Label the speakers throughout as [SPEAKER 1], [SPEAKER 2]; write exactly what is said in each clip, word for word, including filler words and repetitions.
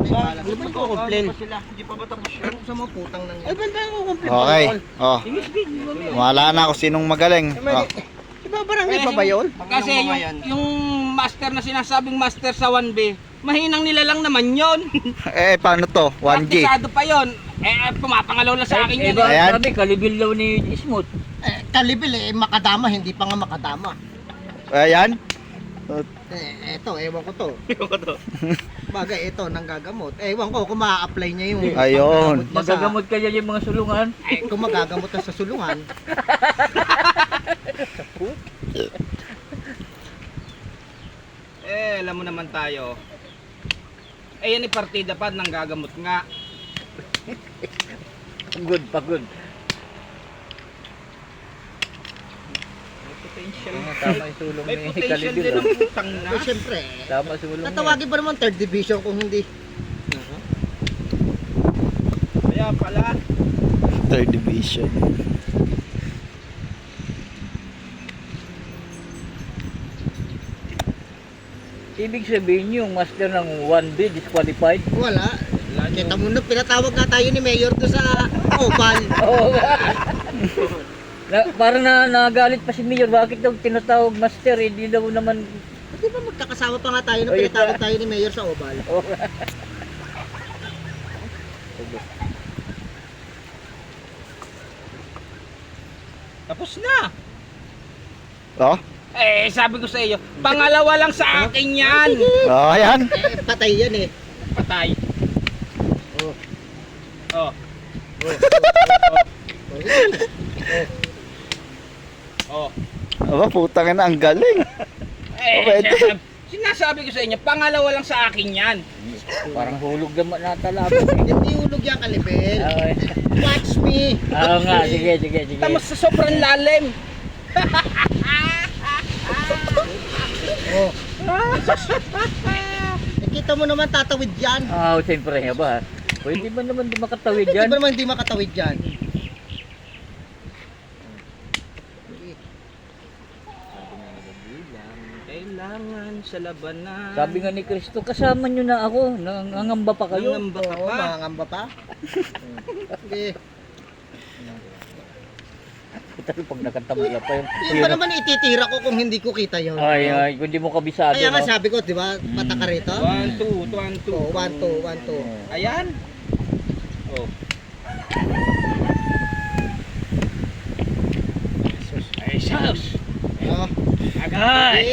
[SPEAKER 1] Ano ba ko complain?
[SPEAKER 2] Hindi pa ba tapos yun?
[SPEAKER 1] Sa mga putang nang yan. Ay, banda ko complain.
[SPEAKER 3] Okay. Oh. Wala na ako sinong magaling. Oh.
[SPEAKER 1] Iba barangay pa ba yun?
[SPEAKER 4] Kasi yung, yung master na sinasabing master sa one B, mahinang nila lang naman yun.
[SPEAKER 3] Eh, paano to? one G.
[SPEAKER 4] Praktisado pa yun. Eh, pumapangalaw lang sa akin
[SPEAKER 5] Eh,
[SPEAKER 4] yun.
[SPEAKER 5] ba,
[SPEAKER 3] Ayan.
[SPEAKER 5] sabi, kalibil daw ni Smooth.
[SPEAKER 1] Eh, kalibil eh, makadama, hindi pa nga makadama.
[SPEAKER 3] Ayan.
[SPEAKER 1] Eh, eto, ewan ko to. Ewan ko to. Bagay, ito, nanggagamot. Ewan ko kung ma-apply niya yung...
[SPEAKER 3] Ayun.
[SPEAKER 1] panggagamot niya sa-
[SPEAKER 5] Magagamot kaya yung mga sulungan.
[SPEAKER 1] Eh, kung magagamot na sa sulungan.
[SPEAKER 4] Eh, alam mo naman tayo. Eh, yan yung partida pa, nang gagamot nga.
[SPEAKER 5] Pagod, pagod.
[SPEAKER 4] Potential.
[SPEAKER 5] Ah, tama yung sulong
[SPEAKER 4] May
[SPEAKER 5] ni
[SPEAKER 4] potential
[SPEAKER 5] Kalibil.
[SPEAKER 4] din
[SPEAKER 5] ah.
[SPEAKER 4] ang putang na.
[SPEAKER 1] Eh, syempre.
[SPEAKER 5] Tama sulong niya.
[SPEAKER 1] Tatawagin ba naman third division kung hindi?
[SPEAKER 4] Kaya pala.
[SPEAKER 3] Third division.
[SPEAKER 5] Ibig sabihin yung master ng one B disqualified.
[SPEAKER 1] Wala. Kita mo na, pinatawag nga tayo ni Mayor to sa Oval.
[SPEAKER 5] Oo. na, parang na, nagalit pa si Mayor. Bakit daw tinatawag master? Eh, di daw naman...
[SPEAKER 1] Di ba magkakasama pa nga tayo nung
[SPEAKER 5] Oh, yun
[SPEAKER 1] pinatawag
[SPEAKER 5] pa.
[SPEAKER 1] tayo ni Mayor sa Oval?
[SPEAKER 5] Oo.
[SPEAKER 4] Tapos na.
[SPEAKER 3] Oh.
[SPEAKER 4] Eh, sabi ko sa iyo, pangalawa lang sa akin yan.
[SPEAKER 3] Oh, ayan.
[SPEAKER 1] Eh, patay yan eh.
[SPEAKER 4] Patay.
[SPEAKER 1] Oh.
[SPEAKER 4] Oh. Oh.
[SPEAKER 3] Aba, putang na, ang galing.
[SPEAKER 4] Eh,
[SPEAKER 3] Pwede.
[SPEAKER 4] sinasabi, sinasabi ko sa inyo, pangalawa lang sa akin yan.
[SPEAKER 5] Parang hulog naman natalaban.
[SPEAKER 1] Hindi ulog yan, Kalibel.
[SPEAKER 5] Okay.
[SPEAKER 1] Watch me.
[SPEAKER 5] Oo nga, sige, sige, sige.
[SPEAKER 4] Tama sa sobrang lalim.
[SPEAKER 1] Oh. Nakita mo naman tatawid yan.
[SPEAKER 5] Ah, siyempre nga ba? Pwede ba naman di makatawid
[SPEAKER 1] Hindi
[SPEAKER 5] yan?
[SPEAKER 1] ba naman hindi makatawid yan?
[SPEAKER 4] Kailangan sa labanan.
[SPEAKER 5] Sabi nga ni Kristo, kasama nyo na ako. Nangangamba pa kayo.
[SPEAKER 4] Nangamba ka
[SPEAKER 1] Oo,
[SPEAKER 4] pa.
[SPEAKER 1] mangangamba pa. Sige.
[SPEAKER 5] Pero pag nakatamula pa yung...
[SPEAKER 1] Hindi ba naman ititira ko kung hindi ko kita yun?
[SPEAKER 5] Ay, ay, kung di mo kabisado,
[SPEAKER 1] Kaya nga
[SPEAKER 5] no?
[SPEAKER 1] sabi ko, di ba, pataka rito?
[SPEAKER 4] One, two, one, two.
[SPEAKER 1] Oh, one, two, one, two.
[SPEAKER 4] Ayan. Oh. Ay, sus.
[SPEAKER 1] Oh.
[SPEAKER 4] Agay.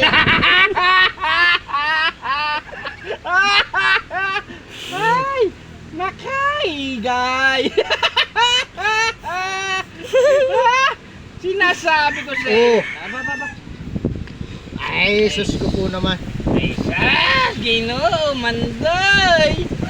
[SPEAKER 4] Ay, nakaigay. Sinasabi ko sa iyo.
[SPEAKER 1] Oh.
[SPEAKER 4] Aba, aba, aba.
[SPEAKER 1] Ay, sus ko po naman.
[SPEAKER 4] Ay, sa Ginoo, Mandoy.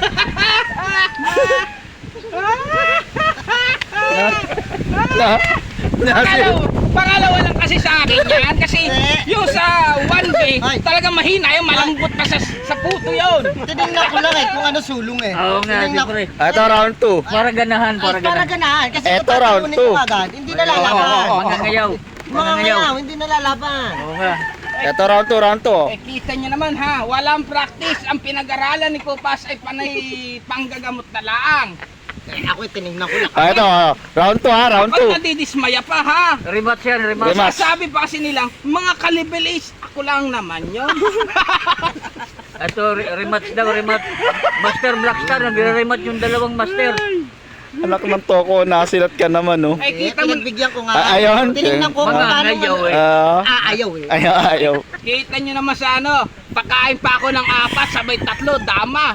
[SPEAKER 3] Na,
[SPEAKER 4] Pangalawa, pangalawa lang kasi sa akin yan. Kasi yung sa one B,
[SPEAKER 1] Ay.
[SPEAKER 4] talagang mahina yung malambot pa sa, sa puto yun.
[SPEAKER 1] Tinignan ko lang eh kung ano sulong eh.
[SPEAKER 5] Oo nga,
[SPEAKER 1] Tinignan ko-
[SPEAKER 5] siyempre.
[SPEAKER 3] ito round two.
[SPEAKER 5] Para ganahan, para
[SPEAKER 1] Ay, para
[SPEAKER 5] ganahan.
[SPEAKER 1] ganahan. Kasi
[SPEAKER 3] Eto,
[SPEAKER 1] kung
[SPEAKER 3] round
[SPEAKER 1] tatalunin
[SPEAKER 3] two.
[SPEAKER 1] ko agad, hindi nalalaban.
[SPEAKER 5] Mga ngayaw.
[SPEAKER 1] Mga ngayaw, hindi nalalaban.
[SPEAKER 5] Oo nga.
[SPEAKER 3] Ito round two, round two.
[SPEAKER 4] Eh, kita nyo naman ha, walang practice. Ang pinag-aralan ni Kupas ay panay panggagamot na laang.
[SPEAKER 1] Eh, ako eh, tinignan ko lang.
[SPEAKER 3] Ah, ito, oh. round two ha, round two.
[SPEAKER 4] Ba't nadidismaya pa ha?
[SPEAKER 5] Rematch yan, rematch.
[SPEAKER 3] Rematch.
[SPEAKER 4] Sabi pa kasi nilang, mga kalibilis, ako lang naman yun.
[SPEAKER 5] Ito, re- rematch daw, rematch. Master Blackstar, nagre-rematch yung dalawang master.
[SPEAKER 3] Anak ng toko, nasilat ka naman, no?
[SPEAKER 4] Ay,
[SPEAKER 1] Eh,
[SPEAKER 4] kita mo,
[SPEAKER 1] pinagbigyan ko nga.
[SPEAKER 3] Ah, ayun.
[SPEAKER 1] Tinignan ko kung
[SPEAKER 5] Mga
[SPEAKER 1] paano
[SPEAKER 5] ngayaw eh.
[SPEAKER 3] Ah,
[SPEAKER 1] Ah, ayaw eh.
[SPEAKER 3] ayaw, ayaw.
[SPEAKER 4] kita nyo naman sa ano, pagkain pa ako ng apat, sabay tatlo, dama.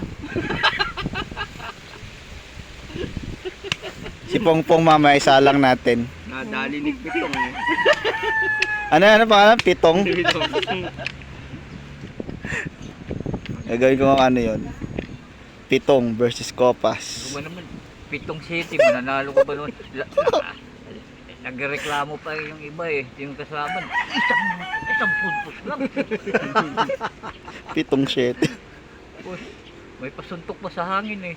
[SPEAKER 3] Si Pongpong mama, isa lang natin.
[SPEAKER 4] Nadali ni Pitong.
[SPEAKER 3] Ano, ano pangalan? Pitong? Gagawin ko ng ano yun. Pitong versus Copas.
[SPEAKER 5] Ano naman, pitong city, mananalo ko ba noon? La- la- Nagreklamo pa yung iba eh, yung kasama. Isang, isang puntos lang.
[SPEAKER 3] Pitong shit.
[SPEAKER 5] Uy, may pasuntok pa sa hangin eh.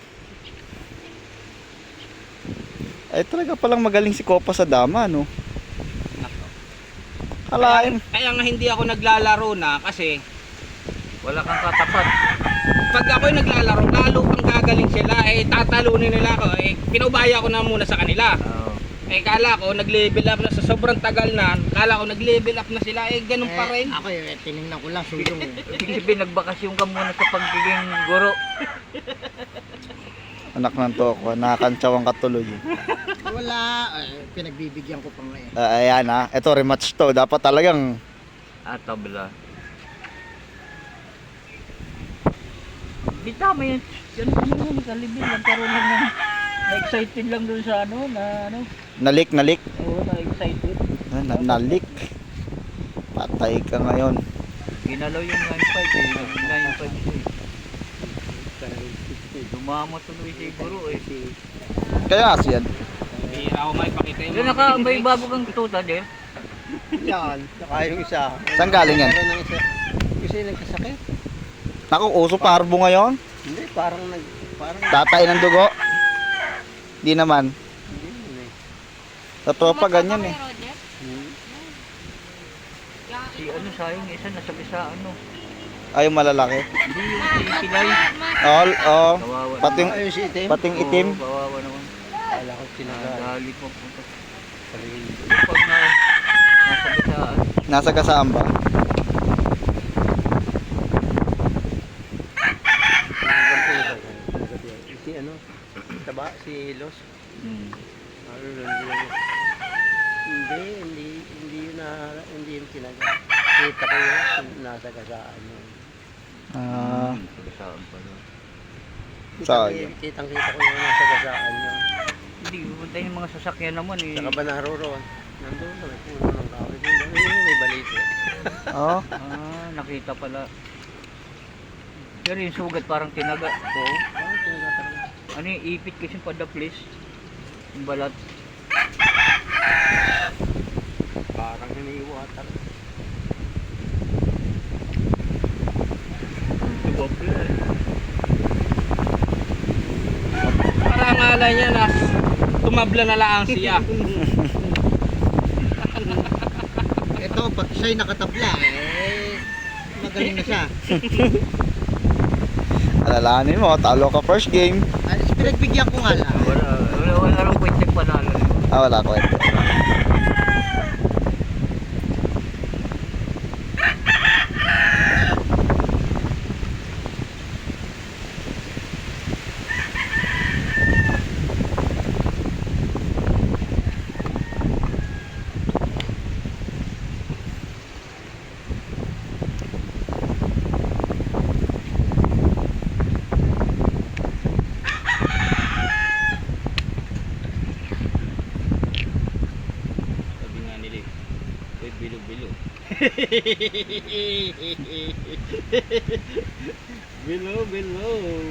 [SPEAKER 3] Ay talaga palang magaling si Copas sa dama, no? Kalain.
[SPEAKER 4] Kaya nga hindi ako naglalaro na kasi
[SPEAKER 5] Wala kang katapat.
[SPEAKER 4] pag ako'y naglalaro, lalo pang gagaling sila, eh tatalunin nila ako, eh pinaubaya ko na muna sa kanila.
[SPEAKER 5] Oo.
[SPEAKER 4] Eh kala ko nag-level up na sa sobrang tagal na, kala ko nag-level up na sila, eh ganun pa rin.
[SPEAKER 1] Ako eh, tinignan ko lang, sulong eh.
[SPEAKER 5] Ibig sabihin, nagbakasyon ka muna sa pagiging guro.
[SPEAKER 3] Anak ng toko, nakakantsawan ka tuloy.
[SPEAKER 1] Wala, eh, pinagbibigyan ko pa nga eh.
[SPEAKER 3] Ah, ayan ha, ito rematch to. Dapat talagang
[SPEAKER 5] Ah, tabla. Di tama yan. Yan ano yun, kalibin. Nagkaroon lang ng na-excited lang doon sa ano, na ano.
[SPEAKER 3] nalik, nalik.
[SPEAKER 5] Oo, na-excited.
[SPEAKER 3] Ah, na, nalik. Patay ka ngayon.
[SPEAKER 5] Ginalaw yung nine five eh. nine five siya eh. Dumamo tuloy si guro eh.
[SPEAKER 3] Kaya kasi yan.
[SPEAKER 4] Hindi ako maipakita yung
[SPEAKER 5] Yung naka, may bago kang tuta din.
[SPEAKER 1] Yan, saka yung isa.
[SPEAKER 3] Saan galing yan?
[SPEAKER 1] Meron ng isa. Kasi yung nagkasakit.
[SPEAKER 3] Naku, uso parbo ngayon.
[SPEAKER 1] Hindi, parang nag... Parang...
[SPEAKER 3] Tatay ng dugo. Di naman.
[SPEAKER 1] Hindi yun eh.
[SPEAKER 3] Sa tropa ganyan eh.
[SPEAKER 1] Hmm.
[SPEAKER 5] Si ano sayang, isa nasabi sa ano.
[SPEAKER 3] Ay, yung malalaki.
[SPEAKER 5] Hindi yung si Pilay.
[SPEAKER 3] All, oh.
[SPEAKER 5] Kawawa.
[SPEAKER 3] Pating,
[SPEAKER 1] Ayun si itim.
[SPEAKER 3] pating itim.
[SPEAKER 5] Oo, kawawa naman.
[SPEAKER 1] Kala ko sinagal.
[SPEAKER 5] Nagalit mo po. Pag na, nasabi sa ano.
[SPEAKER 3] Nasa kasaan ba?
[SPEAKER 1] Si ano? Taba? Si Los?
[SPEAKER 5] Hmm.
[SPEAKER 1] Ano yun? Hindi, hindi, hindi yun na, hindi yun sinagal. Kita ko yun, nasa kasaan yun.
[SPEAKER 3] Ah,
[SPEAKER 5] Sagasaan pala.
[SPEAKER 3] sayang.
[SPEAKER 1] Kitang kita ko yun, nasa kasaan yun.
[SPEAKER 5] Hindi, pupunta yung mga sasakyan naman eh.
[SPEAKER 1] Saka ba naroon? Nandun na, may puno ng kawit. Yun, may balito.
[SPEAKER 3] Oh,
[SPEAKER 5] Ah, nakita pala. Pero yung sugat parang tinaga. Oo.
[SPEAKER 1] Ah, tinatawag.
[SPEAKER 5] Ano yung ipit kasi padaplis. Yung balat.
[SPEAKER 1] Parang hiniiwatan.
[SPEAKER 4] Parang alay niya na tumabla na lang siya.
[SPEAKER 1] Ito, pag siya'y nakatabla, eh, magaling na siya.
[SPEAKER 3] alalahanin mo, talo ka first game.
[SPEAKER 1] Ano, pinagbigyan ko nga lang.
[SPEAKER 5] Wala, wala, wala rin pwede panalo.
[SPEAKER 3] Ah, wala kwento.
[SPEAKER 4] Sabi nga nila eh, "Uy, bilo-bilo." Bilo, bilo.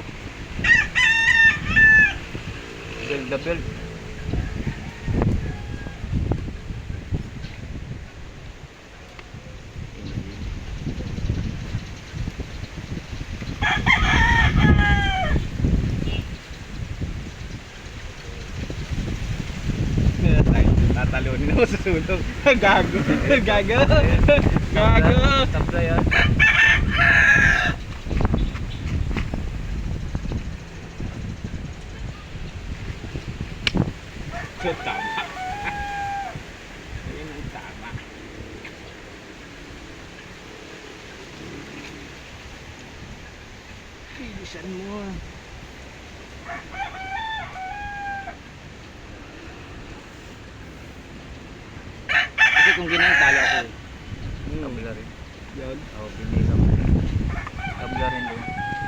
[SPEAKER 5] Build the build.
[SPEAKER 4] Tatalunin ako sa sulong. Gago. Gago. Gago.
[SPEAKER 5] Tabla yan.
[SPEAKER 4] So, tama. Ayun ang tama. Bilisan mo. Kasi kung ganyan, talo ako. eh.
[SPEAKER 5] Tabla rin.
[SPEAKER 4] Yun.
[SPEAKER 5] Oo, binila mo. Tabla rin doon.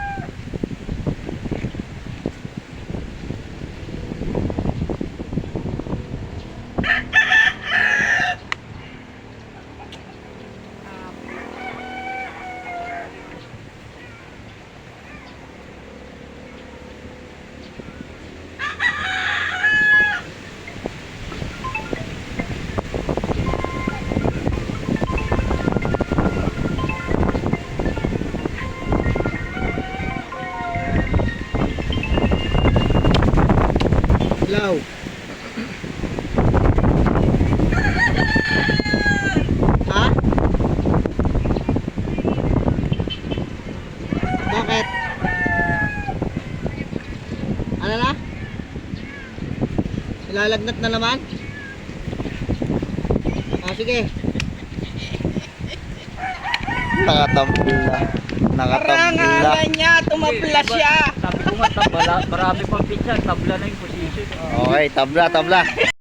[SPEAKER 1] Ilaw. Ha? Bakit? Ano na? Ilalagnat na naman? Ah, sige.
[SPEAKER 3] Nakatabla. Nakatabla.
[SPEAKER 4] Parangalan niya, tumabla siya.
[SPEAKER 5] Sabi ko nga, tabla, marami pang pizza, tabla na yung position.
[SPEAKER 3] Okay, tabla, tabla.